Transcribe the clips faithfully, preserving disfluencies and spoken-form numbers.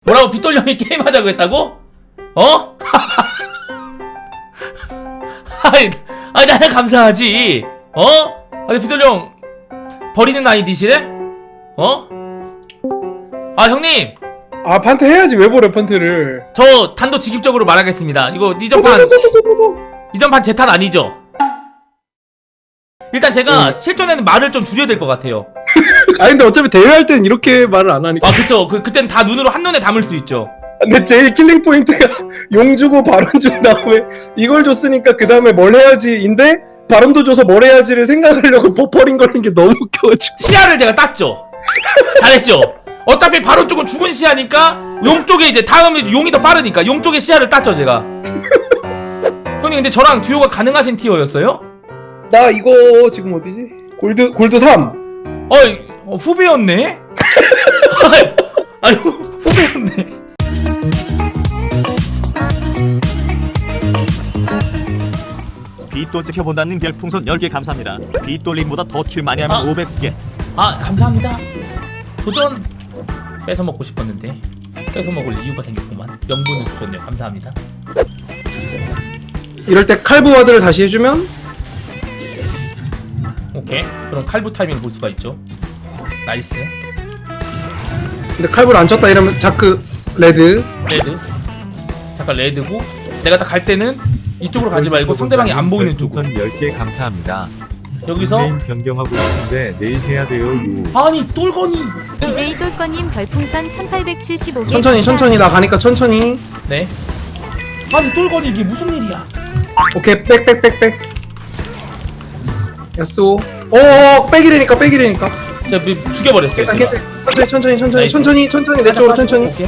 뭐라고 빗돌 형이 게임하자고 했다고? 어? 아이, 아이 나는 감사하지. 어? 아니 빗돌 형 버리는 아이디시래? 어? 아 형님 아 판트 해야지. 왜 버려 판트를. 저 단도직입적으로 말하겠습니다. 이거 이전판 이전판 제 탓 아니죠? 일단 제가 응. 실전에는 말을 좀 줄여야 될 것 같아요. 아니 근데 어차피 대회할 땐 이렇게 말을 안 하니까. 아 그쵸. 그, 그땐 다 눈으로 한눈에 담을 수 있죠. 근데 제일 킬링 포인트가 용 주고 바론 준 다음에 이걸 줬으니까 그 다음에 뭘 해야지인데 바론도 줘서 뭘 해야지를 생각하려고 버퍼링 걸린 게 너무 웃겨가지고. 시야를 제가 땄죠. 잘했죠. 어차피 바로 쪽은 죽은 시야니까 용 쪽에 이제 다음에 용이 더 빠르니까 용 쪽에 시야를 땄죠 제가. 형님 근데 저랑 듀오가 가능하신 티어였어요? 나 이거 지금 어디지? 골드 골드 삼. 어이 어, 후배였네? 아유 후배였네. 빗돌 찍혀본다는 별풍선 열 개 감사합니다. 빗돌림보다 더 킬 많이 하면 아. 오백 개. 아 감사합니다. 도전 뺏어 먹고 싶었는데 뺏어 먹을 이유가 생겼구만. 명분을 주셨네요. 감사합니다. 이럴 때 칼부 와드를 다시 해주면 오케이. 그럼 칼부 타이밍 볼 수가 있죠. 나이스. 근데 칼부를 안 쳤다 이러면 자크 레드. 레드. 잠깐 레드고 내가 딱 갈 때는 이쪽으로 가지 말고 상대방이 안 보이는 쪽으로. 별풍선 열 개 감사합니다. 여기서 게임 변경하고 싶은데 내일 해야 돼요. 유. 아니 똘거니. 디제이 똘꺼님 별풍선 천팔백칠십오 개 천천히 천천히 나 가니까 천천히. 네. 아니 똘거니 이게 무슨 일이야? 오케이 빽빽빽빽. 야쏘. 오 빽이래니까 빽이래니까. 제가 미- 죽여버렸어요. 일단 제가. 괜찮아. 천천히 천천히 천천히 나이스. 천천히 천천히 내 쪽으로 천천히. 오케이.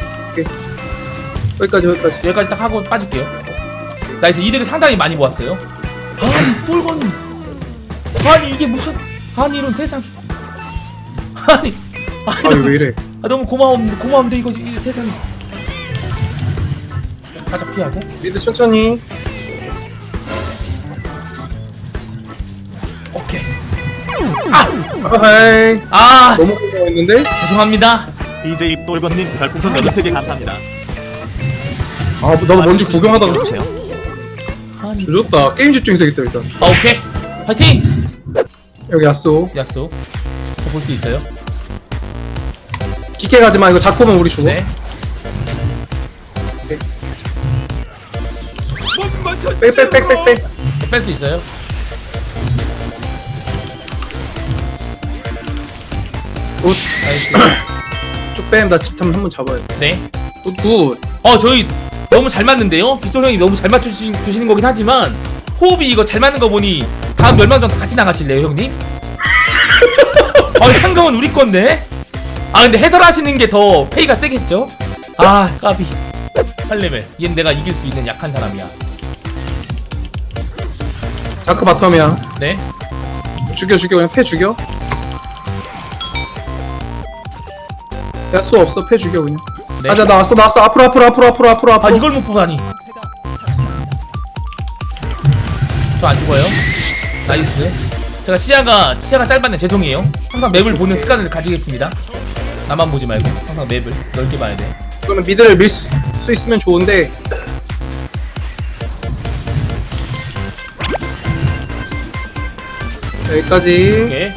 여기까지 여기까지. 여기까지 딱 하고 빠질게요. 나이스. 이득을 상당히 많이 모았어요. 아니 똘거니. 아니 이게 무슨 아니 이런 세상. 아니 아니 아니 왜 이래? 아, 너무 고마움 고마운데 이거 이 세상. 살짝 피하고. 미드 천천히. 오케이. 아! 아하이. 아! 너무 고마웠는데? 죄송합니다. 디제이 똘건님 별풍선 여덟 개 감사합니다. 아 나도 먼저 구경하다가 주세요. 아니. 조졌다. 게임 집중해야겠다 일단. 아, 오케이. 파이팅! 여기 야쏘. 야쏘. 저 볼 수 있어요? 깊게 가지마. 이거 잡고 오면 우리 죽어. 네. 빽빽빽빽빽. 뺄 수 있어요? 굿. 나이스. 쭉 빼면 나 집탐 한번 잡아야 돼. 네. 굿 굿. 어, 저희 너무 잘 맞는데요? 빗솔 형이 너무 잘 맞추시는 거긴 하지만 호흡이 이거 잘 맞는 거 보니 다음 멸망전 같이 나가실래요, 형님? 어, 상금은 우리 건데? 아, 근데 해설하시는 게 더 페이가 세겠죠? 아, 까비. 팔 레벨. 얘는 내가 이길 수 있는 약한 사람이야. 자크 바텀이야. 네. 죽여 죽여 그냥 패 죽여. 야쏘 없어. 패 죽여 그냥. 네. 가자 나왔어 나왔어. 앞으로 앞으로 앞으로 앞으로 앞으로 아, 앞으로. 이걸 못 보다니. 저 안 죽어요. 나이스. 제가 시야가 시야가 짧았네. 죄송해요. 항상 맵을 보는 습관을 가지겠습니다. 나만 보지 말고 항상 맵을 넓게 봐야 돼. 이거는 미드를 밀 수 있으면 좋은데. 여기까지. 오케이.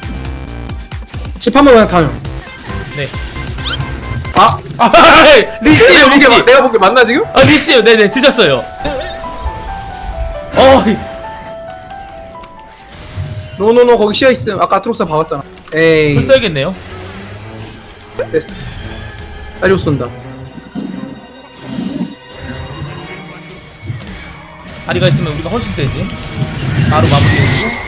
집 한번 그냥 타요. 네. 아, 아, 리시에요, 리시. 이게 내가 보기에 맞나 지금? 아, 리시에요. 네네, 드셨어요. 어, 노노노 거기 시야 있음. 아까 아트록스 박았잖아. 에이. 불 써야겠네요. 됐어. 딸려 쏜다. 다리가 있으면 우리가 훨씬 세지. 바로 마무리해주고.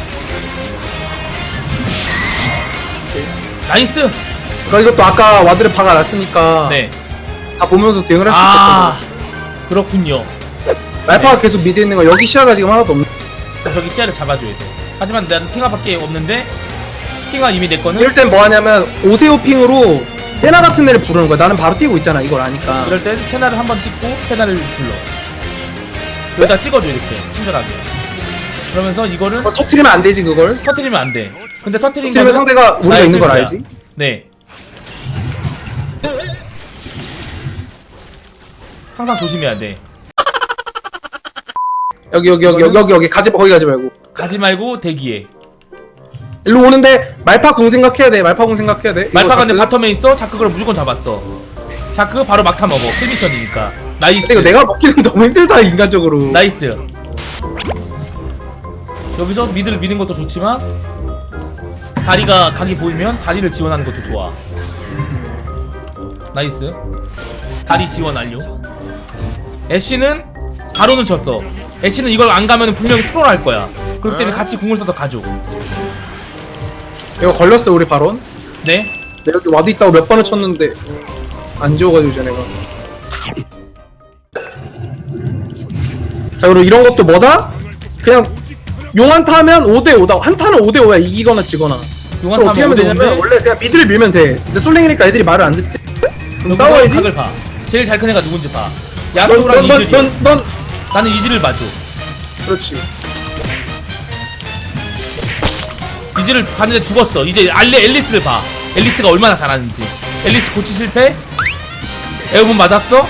나이스. 그러니까 이것도 아까 와드를 박아놨으니까 네. 다 보면서 대응을 할 수 아, 있겠거든. 그렇군요. 말파가 계속 미드에 있는 거 여기 시야가 지금 하나도 없네. 저기 시야를 잡아줘야 돼. 하지만 난 핑화밖에 없는데 핑화 이미 내 거는. 이럴 땐 뭐 하냐면 오세오 핑으로 세나 같은 애를 부르는 거야. 나는 바로 뛰고 있잖아. 이걸 아니까. 이럴 땐 세나를 한번 찍고 세나를 불러. 여기다 찍어줘 이렇게 친절하게. 그러면서 이거를 어, 터트리면 안 되지 그걸. 터트리면 안 돼. 근데 터트린 터트리면 거는 상대가 우리가 나의 있는 걸 실수야. 알지. 네. 항상 조심해야 돼. 여기 여기 여기 여기 여기 여기 가지 거기 가지 말고 가지 말고 대기해. 일로 오는데 말파 궁 생각해야 돼. 말파 궁 생각해야 돼. 말파가 내 이거 바텀에 있어. 자크 그걸 무조건 잡았어. 자크 바로 막타 먹어. 킬미션이니까. 나이스. 이거 내가 먹기는 너무 힘들다 인간적으로. 나이스. 여기서 미드를 미는 것도 좋지만 다리가 각이 보이면 다리를 지원하는 것도 좋아. 나이스. 다리 지원 완료. 애쉬는 바로는 쳤어. 애쉬는 이걸 안 가면 분명히 트롤할 거야. 그렇기 때문에 같이 궁을 써서 가줘. 이거 걸렸어 우리 바론. 네. 내가 여기 와드 있다고 몇 번을 쳤는데 안 지워가지고 쟤네가. 자 그리고 이런 것도 뭐다? 그냥 용 한타 하면 오 대 오다. 한타는 오 대 오야. 이기거나 지거나. 용한 그럼 어떻게 하면 되냐면 원래 그냥 미드를 밀면 돼. 근데 솔랭이니까 애들이 말을 안 듣지. 그럼 싸워야지. 각을 봐. 제일 잘 큰 애가 누군지 봐. 야소랑 넌 넌 이즈리야. 넌 넌 나는 이즈를 봐줘. 그렇지. 이즈를 봤는데 죽었어. 이제 알레 앨리스를 봐. 앨리스가 얼마나 잘하는지. 앨리스 고치 실패. 에어본 맞았어.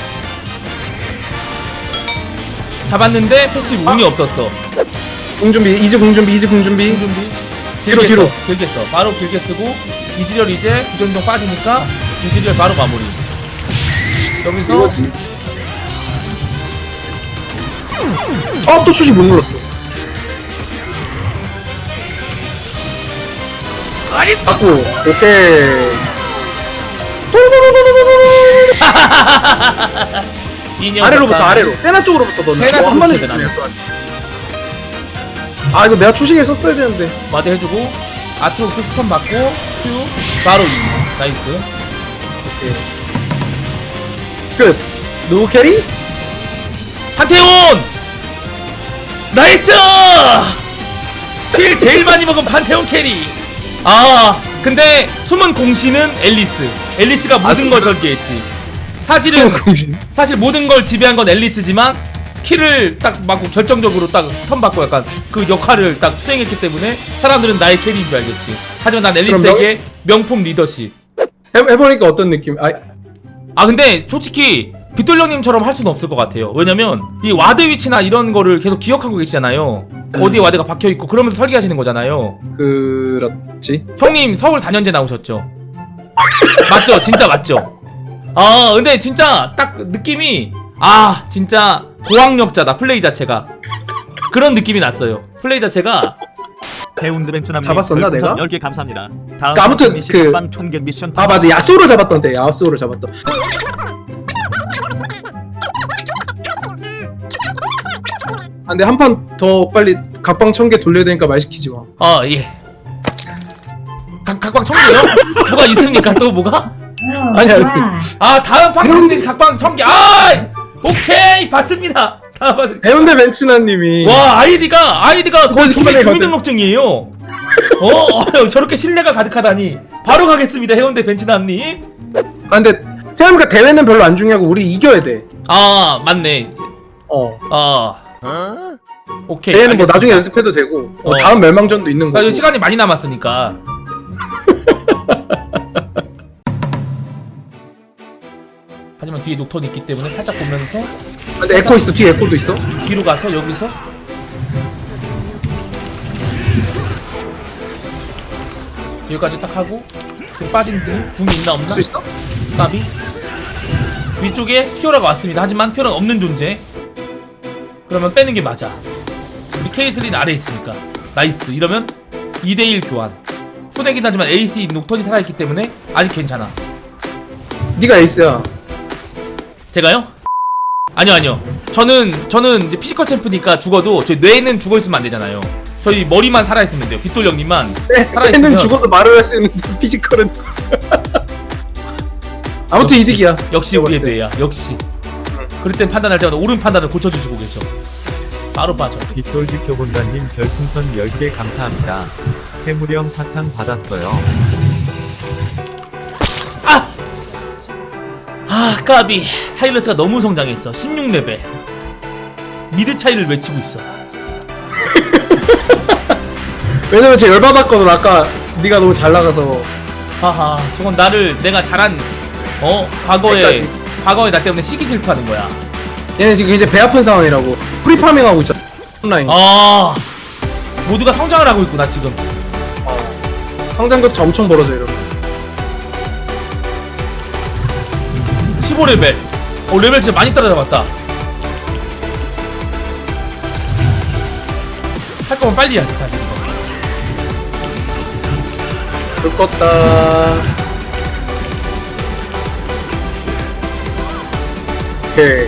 잡았는데 패시브 운이 없었어. 궁 준비. 이즈 궁 준비. 이즈 궁 준비. 준비. 뒤로, 길게 뒤로. 써, 길게 써. 바로 길게 쓰고 이즈리얼 이제 구전동 빠지니까 이즈리얼 바로 마무리. 여기서 이거지. 아, 또 추시 못 눌렀어. 아니 받고, 오케이. 이 녀석아. 아래로부터 아래로. 세나 쪽으로부터 넣는. 세나 어, 한 번에 쪽으로 죽였어. 아, 이거 내가 초식에 썼어야 되는데. 마드 해주고 아트록스 스턴 받고 큐 바로 이. 나이스. 오케이. 끝. 누구 캐리? 판테온! 나이스! 킬 제일 많이 먹은 판테온 캐리. 아 근데 숨은 공신은 앨리스. 앨리스가 모든 걸 절개했지. 사실은 공신. 사실 모든 걸 지배한 건 앨리스지만 킬을 딱 맞고 결정적으로 딱 스턴 받고 약간 그 역할을 딱 수행했기 때문에 사람들은 나의 캐리인 줄 알겠지. 하지만 난 앨리스에게 명품 리더십. 해, 해보니까 어떤 느낌? 아, 아 근데 솔직히 빗돌 형님처럼 할 수는 없을 것 같아요. 왜냐면 이 와드 위치나 이런 거를 계속 기억하고 계시잖아요. 어디에 와드가 박혀있고 그러면서 설계하시는 거잖아요. 그렇지. 형님 서울 사 년제 나오셨죠? 맞죠? 진짜 맞죠? 아 근데 진짜 딱 느낌이 아 진짜 고학력자다. 플레이 자체가 그런 느낌이 났어요. 플레이 자체가. 배운드벤츠남님 잡았었나, 내가? 열 개 감사합니다. 다음 그러니까 아무튼 미션 그- 반 총계 미션 아, 맞아. 야쏘를 잡았던데. 야쏘를 잡았던. 아, 근데 한 판 더 빨리 각방 천 개 돌려야 되니까 말 시키지 마. 아 예. 각 각방 청개요? 뭐가 있습니까? 또 뭐가? 아니, 아니. 아 다음 방송에서 각방 청개. 아 오케이 봤습니다. 다음 방송. 해운대 벤츠나님이 와 아이디가 아이디가 거의 그거 주민, 신발에 주민등록증이에요. 어, 어 저렇게 신뢰가 가득하다니. 바로 가겠습니다 해운대 벤츠남님. 아, 근데 생각해보니까 대회는 별로 안 중요하고 우리 이겨야 돼. 아 맞네. 어. 아 오케이. 대회는 뭐 알겠습니다. 나중에 연습해도 되고 어, 어. 다음 멸망전도 있는 나 거고. 지금 시간이 많이 남았으니까. 하지만 뒤에 녹턴이 있기 때문에 살짝 보면서 아, 근데 에코 있어. 뒤에 에코도 있어. 뒤로 가서 여기서 여기까지 딱 하고 그 빠진 뒤 궁이 있나 없나? 할 수 있어? 까비 위쪽에 피오라가 왔습니다. 하지만 피오라는 없는 존재. 그러면 빼는 게 맞아. 우리 케이틀린 아래에 있으니까 나이스. 이러면 이 대 일 교환. 손해긴 하지만 에이스 녹턴이 살아있기 때문에 아직 괜찮아. 네가 에이스야. 제가요? 아니요 아니요. 저는 저는 이제 피지컬 챔프니까 죽어도 저희 뇌는 죽어있으면 안 되잖아요. 저희 머리만 살아있으면 돼요. 빗돌 형님만 살아있으면 는 죽어도 말을 할 수 있는데 피지컬은 아무튼 역시, 이득이야. 역시 우리의 뇌야. 역시. 그럴 땐 판단할 때마다 옳은 판단을 고쳐주시고 계셔. 바로 빠져. 빗돌 지켜본다님 별풍선 열 개 감사합니다. 해무령 사탕 받았어요. 아! 아 까비. 사일러스가 너무 성장했어. 십육 레벨 미드 차이를 외치고 있어. 왜냐면 쟤 열받았거든. 아까 네가 너무 잘 나가서. 하하 저건 나를 내가 잘한 어 과거에 백까지. 과거에 나 때문에 시기 질투하는 거야. 얘는 지금 이제 배 아픈 상황이라고. 프리파밍 하고 있잖아. 온라인. 아 모두가 성장을 하고 있구나 지금. 성장도 엄청 벌어져 이러면. 십오 레벨. 어 레벨 진짜 많이 따라잡았다. 할 거면 빨리 해야지 사실 이거. 불 껐다. 오케이.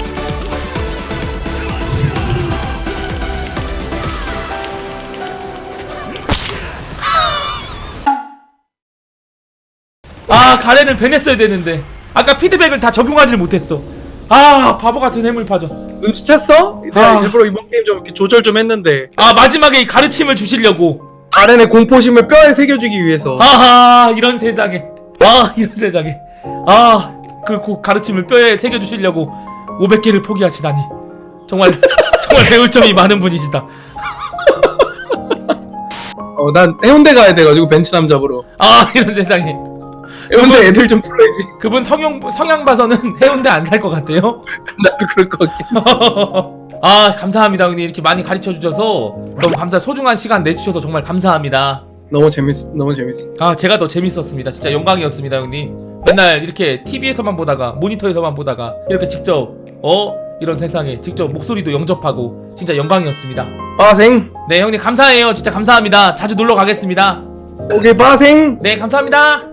아 가렌을 배냈어야 되는데 아까 피드백을 다 적용하지 못했어. 아 바보 같은 해물파전. 눈치챘어? 내가 아. 일부러 이번 게임 좀 이렇게 조절 좀 했는데 아 마지막에 이 가르침을 주시려고. 가렌의 공포심을 뼈에 새겨주기 위해서. 아하 이런 세상에. 아 이런 세상에. 아그 가르침을 뼈에 새겨주시려고 오백 개를 포기하시다니. 정말 정말 배울 점이 많은 분이시다. 어, 난 해운대 가야 돼가지고 벤츠남 잡으러. 아 이런 세상에. 해운대 애들 좀 풀어야지. 그분 성형 성향 봐서는 해운대 안 살 것 같아요. 나도 그럴 것 같긴. 아 감사합니다 형님. 이렇게 많이 가르쳐 주셔서 너무 감사. 소중한 시간 내주셔서 정말 감사합니다. 너무 재밌어. 너무 재밌어. 아 제가 더 재밌었습니다. 진짜 영광이었습니다 형님. 맨날 이렇게 티비에서만 보다가 모니터에서만 보다가 이렇게 직접 어 이런 세상에 직접 목소리도 영접하고 진짜 영광이었습니다. 빠생. 네 형님 감사해요. 진짜 감사합니다. 자주 놀러 가겠습니다. 오케이 빠생. 네 감사합니다.